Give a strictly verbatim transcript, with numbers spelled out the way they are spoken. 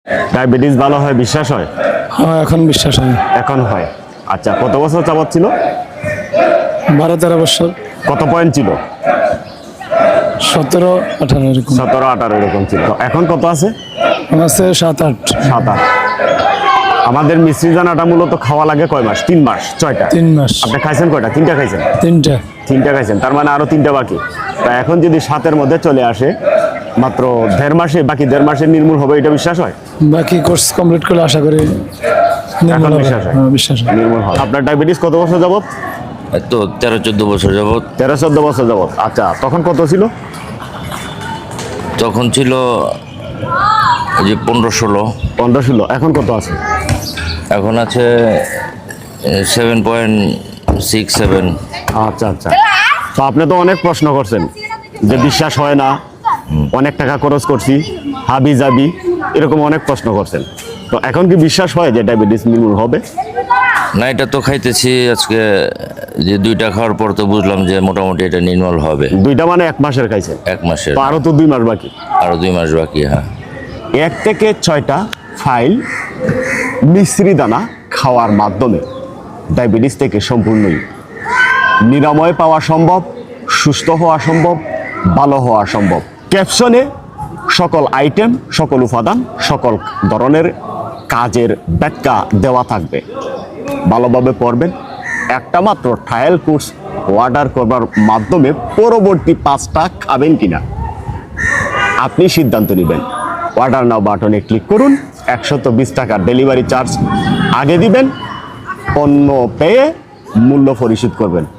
Diabetes ভালো হয় বিশ্বাস হয়? হ্যাঁ, এখন বিশ্বাস হয়। এখন হয়। আচ্ছা, কত বছর যাবত ছিল? বারো তেরো বছর। কত পয়েন্ট ছিল? সতেরো আঠারো এরকম। সতেরো আঠারো এরকম ছিল। তো এখন কত আছে? এখন আছে সাত আট। সাত আট। আমাদের মিশ্রি দানাটা মূলত খাওয়া লাগে কয় মাস? তিন মাস, ছয়টা। তিন মাস। আপনি খাইছেন কয়টা? তিনটা খাইছেন? তিনটা। তিনটা খাইছেন, তার মানে আরো তিনটা বাকি। তা এখন যদি সাতের মধ্যে চলে আসে, মাত্র দেড় মাসে, বাকি দেড় মাসে নির্মূল হবে, এটা বিশ্বাস হয়? বাকি কোর্স কমপ্লিট করলে আশা করি নির্মূল এখন হবে। বিশ্বাস হয়? হ্যাঁ, বিশ্বাস হয়। নির্মূল হবে। আপনার ডায়াবেটিস কত বছর যাবত? তো তেরো চোদ্দ বছর যাবৎ। তেরো চোদ্দ বছর যাবত। আচ্ছা, তখন কত ছিল? তখন ছিল এই যে পনেরো ষোলো। পনেরো ষোলো। এখন কত আছে? এখন আছে সেভেন পয়েন্ট সিক্স সেভেন। আচ্ছা আচ্ছা। তো আপনি তো অনেক প্রশ্ন করছেন যে বিশ্বাস হয় না, অনেক টাকা খরচ করছি, হাবি জাবি, এরকম অনেক প্রশ্ন করছেন। তো এখন কি বিশ্বাস হয় যে ডায়াবেটিস নির্মূল হবে? না, এটা তো খাইতেছি আজকে, যে দুইটা খাওয়ার পর তো বুঝলাম যে মোটামুটি এটা নির্মল হবে। দুইটা মানে এক মাসের খাইছেন? এক মাসের। তো আরো তো দুই মাস বাকি। আরো দুই মাস বাকি। হ্যাঁ, এক থেকে ছয়টা ফাইল মিশ্রি দানা খাওয়ার মাধ্যমে ডায়াবেটিস থেকে সম্পূর্ণই নিরাময় পাওয়া সম্ভব, সুস্থ হওয়া সম্ভব, ভালো হওয়া সম্ভব। ক্যাপশনে সকল আইটেম, সকল উপাদান, সকল ধরনের কাজের ব্যাখ্যা দেওয়া থাকবে। ভালোভাবে পড়বেন। একটা মাত্র ট্রায়াল কোর্স অর্ডার করবার মাধ্যমে পরবর্তী পাঁচটা খাবেন কিনা আপনি সিদ্ধান্ত নেবেন। অর্ডার নাও বাটনে ক্লিক করুন। একশত বিশ টাকার ডেলিভারি চার্জ আগে দিবেন, পণ্য পেয়ে মূল্য পরিশোধ করবেন।